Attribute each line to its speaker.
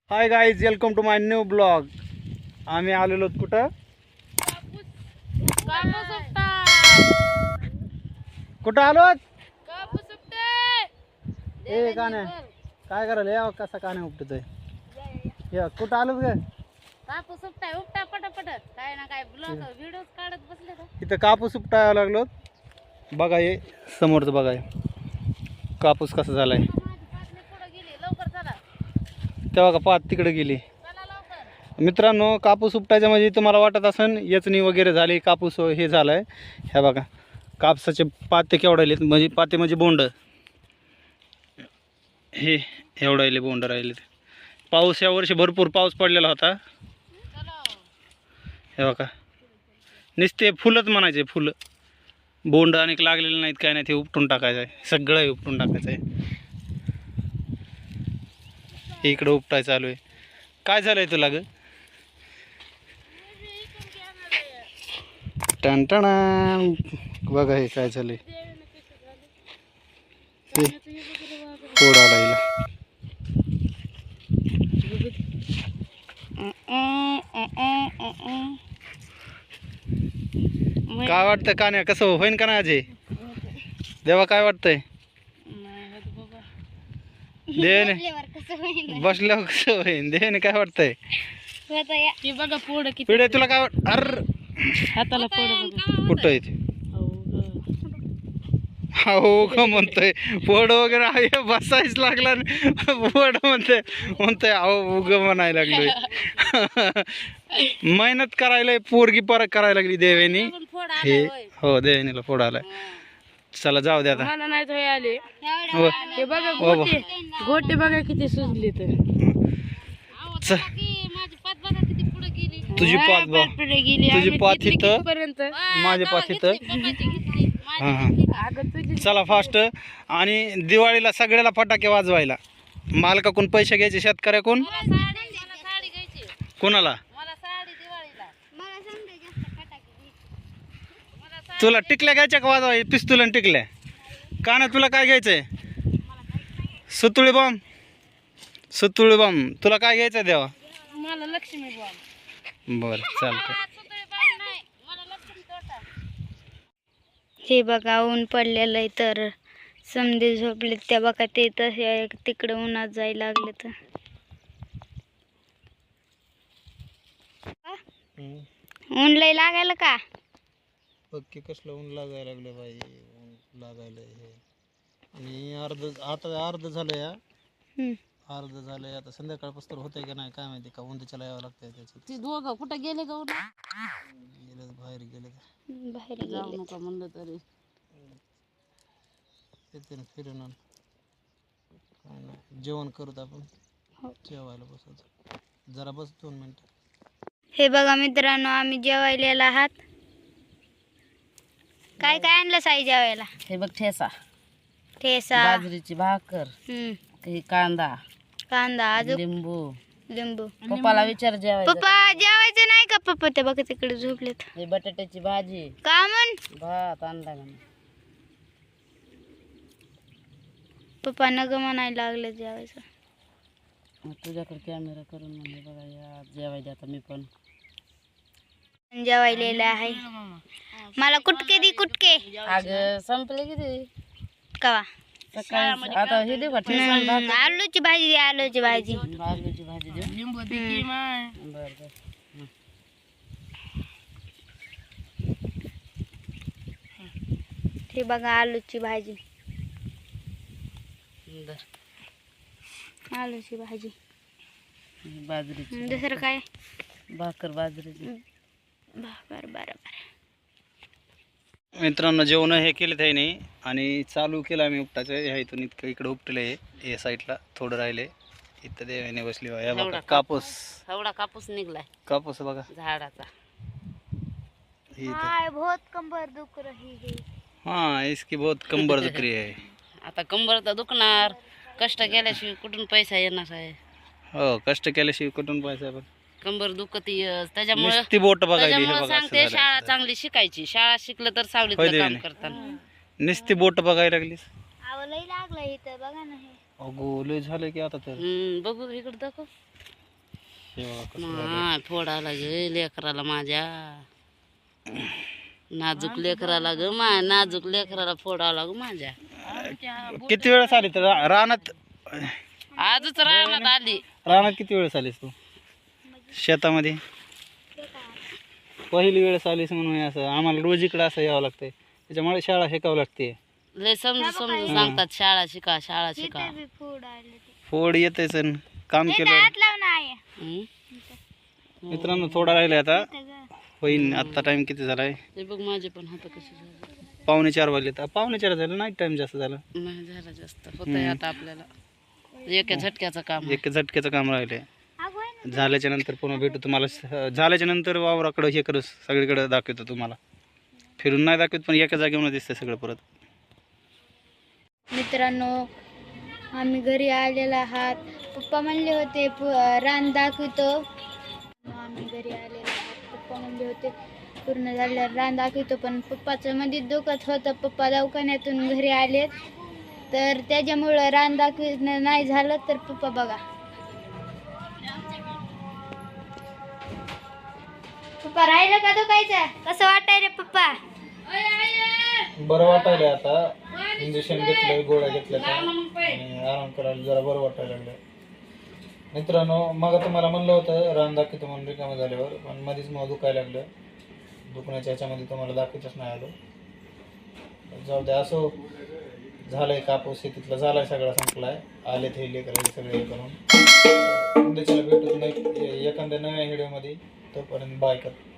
Speaker 1: High guys, welcome to my new blog. आम्ही आलेलो कुठं कुठं आलो ए का नाही काय करायला या कसा का नाही उपटतोय या कुठं आलो ग
Speaker 2: कापूस उपटाय उपटा पटापट काय ना काय ब्लॉग व्हिडिओ काढत बसले का
Speaker 1: इथं कापूस उपटायला लागलो. बघा हे समोरचं बघा हे कापूस कसा झालाय.
Speaker 2: पुढे गेली लवकर चला
Speaker 1: तेव्हा का पात तिकडे गेली.
Speaker 2: चला लवकर
Speaker 1: मित्रांनो, कापूस उपटायच्या म्हणजे तुम्हाला वाटत असेल येचणी वगैरे झाली, कापूस हे झालाय. ह्या बघा कापसाचे पाते केवढाले म्हणजे पाते म्हणजे बोंड हे एवढाले बोंड राहिले. पाऊस या वर्षी भरपूर पाऊस पडलेला होता. हे बघा नुसते फुलंच म्हणायचे, फुलं बोंड अनेक लागलेले नाहीत काय नाही. ते उपटून टाकायचं आहे, सगळं उपटून टाकायचं आहे. इकडं उपटाय चालू आहे. काय झालंय तुला ग टणटणा बघा हे काय झालंय. फोडायला काय वाटतं का नाही, कसं होईन का नाही अजय देवा, काय वाटतंय देवाने बसल्यावर कसं होईन देवाने काय वाटतंय
Speaker 2: बघा पुढे किती
Speaker 1: पिढे तुला काय अर
Speaker 2: हाताला
Speaker 1: कुठं आहे ते हो का म्हणतोय पोड वगैरे आहे बसायच लागला पोड म्हणतोय अहो उग म्हणायला लागलोय. मेहनत करायला पोरगी परत करायला लागली देवेनी हे हो देवेनीला फोड आलाय. चला जाऊ दे आता.
Speaker 2: मला नाही तो आले
Speaker 1: हो
Speaker 2: हे बघा
Speaker 1: हो
Speaker 2: गोटे गोटे बघा किती सुजली तर
Speaker 1: तुझी पात बघ तुझी पात इथं माझी पात इथं. हां हां चला फास्ट. आणि दिवाळीला सगळ्याला फटाके वाजवायला मालकाकडून पैसे घ्यायचे शेतकऱ्याकडून कोणाला तुला टिकल्या घ्यायच्या का वाजवाय पिस्तूल आणि टिकल्या का ना तुला काय घ्यायचंय सुतुळी बॉम्ब सुतुळी बॉम्ब तुला काय घ्यायचं देवा
Speaker 2: मला लक्ष्मी
Speaker 1: बरं चालतंय.
Speaker 3: हे बघा ऊन पडलेलं आहे तर समधी झोपले त्या बघा ते तसे तिकडे उन्हात जायला लागले तर ऊन लय लागायला का
Speaker 1: पक्की कसलं ऊन लागायला लागलं बाई ऊन लागायला हे. आणि अर्ध झालं या अर्ध झालंय आता संध्याकाळपासून होतंय का नाही काय माहिती का उंदीच्याला यावं लागतंय त्याचं.
Speaker 2: ती दोघं कुठं गेले का
Speaker 1: गेले बाहेर गेले
Speaker 3: बाहेर
Speaker 2: जाऊ
Speaker 3: गेले
Speaker 2: नका म्हणलं तरी
Speaker 1: येते ना फिरून आण. काय नाही जेवण करूत आपण जेवायला बसायचं जरा बस 2 मिनिटं.
Speaker 3: हे बघा मित्रांनो आम्ही जेवायला आहात. काय काय आणलं साई जेवायला
Speaker 2: हे बघ ठेसा
Speaker 3: ठेसा
Speaker 2: बाजरीची भाकर काही कांदा
Speaker 3: कांदा अजून
Speaker 2: लिंबू
Speaker 3: लिंबू.
Speaker 2: पप्पाला विचार जेवायचं
Speaker 3: पप्पा जेवायचं नाही का पप्पा ते बघा तिकडे झोपलेत
Speaker 2: हे बटाट्याची भाजी
Speaker 3: का म्हण
Speaker 2: भात आणला म्हणून
Speaker 3: पप्पा नग म्हणायला लागले जेवायचं.
Speaker 2: तुझ्याकडे कॅमेरा करून म्हणले बघा या जेवायला आता मी पण
Speaker 3: जेवायलेलं आहे. मला कुटके दी कुटके
Speaker 2: अगं संपले किती
Speaker 3: कवा
Speaker 2: सकाळी आता हे देऊ का ठेचा आणि भाकर?
Speaker 3: आलूची भाजी दे आलूची भाजी
Speaker 2: आलूची भाजी देऊ लिंबू बरं बरं
Speaker 3: हे बघा आलूची भाजी आलूची भाजी
Speaker 2: बाजरीची
Speaker 3: दुसरं काय
Speaker 2: भाकर बाजरीची
Speaker 3: भाकर बरोबर.
Speaker 1: मित्रांनो जेवण हे केलं आहे नाही आणि चालू केलं आम्ही उपटाचं. ह्या इथून इतकं इकडं उपटलं आहे या साईडला थोडं राहिले इथं देवाने बसली बघा. बघा कापूस
Speaker 2: एवढा कापूस निघलाय
Speaker 1: कापूस बघा
Speaker 2: झाडाचा
Speaker 3: हाय बहुत कंबर दुख रही है.
Speaker 1: हाँ इसकी बहुत कंबर दुख रही है.
Speaker 2: आता कंबर तर दुखणार कष्ट केल्याशिवाय कुठून पैसा येणार आहे.
Speaker 1: हो कष्ट केल्याशिवाय कुठून पैसा पण
Speaker 2: कंबर दुखती त्याच्यामुळे
Speaker 1: नुसती बोट बघायली हे बघा
Speaker 2: सांगते
Speaker 1: असं
Speaker 2: शाळा
Speaker 1: झालं.
Speaker 2: चांगली शिकायची शाळा शिकलं तर सावलीत
Speaker 1: होय
Speaker 2: काम
Speaker 1: देवाने.
Speaker 2: करताना
Speaker 1: नुसती बोट बघायला लागलीस
Speaker 3: आवलंही लागलं इथं बघा ना हे
Speaker 1: अगो लय झालं की आता तर
Speaker 2: बघू इकडे दाखव
Speaker 1: हे बघा कसं झालंय.
Speaker 2: मा फोडायला ग लेकराला माझ्या नाजूक लेकराला ग नाजूक लेकराला फोडावं ग माझ्या.
Speaker 1: किती वेळेस आली तर रानात
Speaker 2: आजच रानात आली.
Speaker 1: रानात किती वेळेस आलीस तू शेतामध्ये? पहिली वेळेस आलीस म्हणून हे असं आम्हाला रोज इकडं असं यावं लागतंय, त्याच्यामुळे शाळा शिकावं लागते.
Speaker 2: लय समजून सांगतात शाळा शिका शाळा शिका.
Speaker 1: फोड येतेच काम केलं.
Speaker 2: हं?
Speaker 1: मित्रांनो थोडा राहिले आता होईन. आत्ता टाइम किती झालाय?
Speaker 2: ते बघ माझे पण हात कसे झाले.
Speaker 1: 3:45 वाजले. तर 3:45 झालं, नाईट टाइम जास्त झालं.
Speaker 2: नाही झाला जास्त होतंय आता आपल्याला एका झटक्याचं काम.
Speaker 1: एक झटक्याचं काम राहिले. झाल्याच्या नंतर पुन्हा भेटू तुम्हाला. झाल्याच्या नंतर वावराकडं हे करू सगळीकडे दाखवतो तुम्हाला. फिरून नाही दाखवत पण एका जागेवर दिसतंय सगळं परत.
Speaker 3: मित्रांनो आम्ही घरी आलेला आहात. पप्पा म्हणले होते रान दाखवतो. आम्ही घरी आलेलो आहात. पप्पा म्हणले होते पूर्ण झाल्यावर रान दाखवतो, पण पप्पाचं मध्ये दुखत होतं. पप्पा दवाखान्यातून घरी आलेत, तर त्याच्यामुळं रान दाखवणं नाही झालं. तर पप्पा बघा, पप्पा राहिलं का दुखायचं? कसं वाटाय रे पप्पा?
Speaker 1: बरं वाटायला आता. इंजेक्शन घेतलं, गोळ्या घेतल्या आणि आराम करायला जरा बरं वाटायला लागलं. मित्रांनो मग तुम्हाला म्हणलं होतं रान दाखवतो म्हणून रिकामं झाल्यावर, पण मध्येच मग दुखायला लागलं. दुखण्याच्या ह्याच्यामध्ये तुम्हाला दाखवतच नाही आलो. जाऊ द्या, असो झालंय. कापूस शेतीतला झालाय, सगळा संपलाय. आलेत हे लेकरं सगळे हे करून. उद्याच्याला भेटत नाही एखाद्या नव्या व्हिडिओमध्ये. तोपर्यंत बाय कर.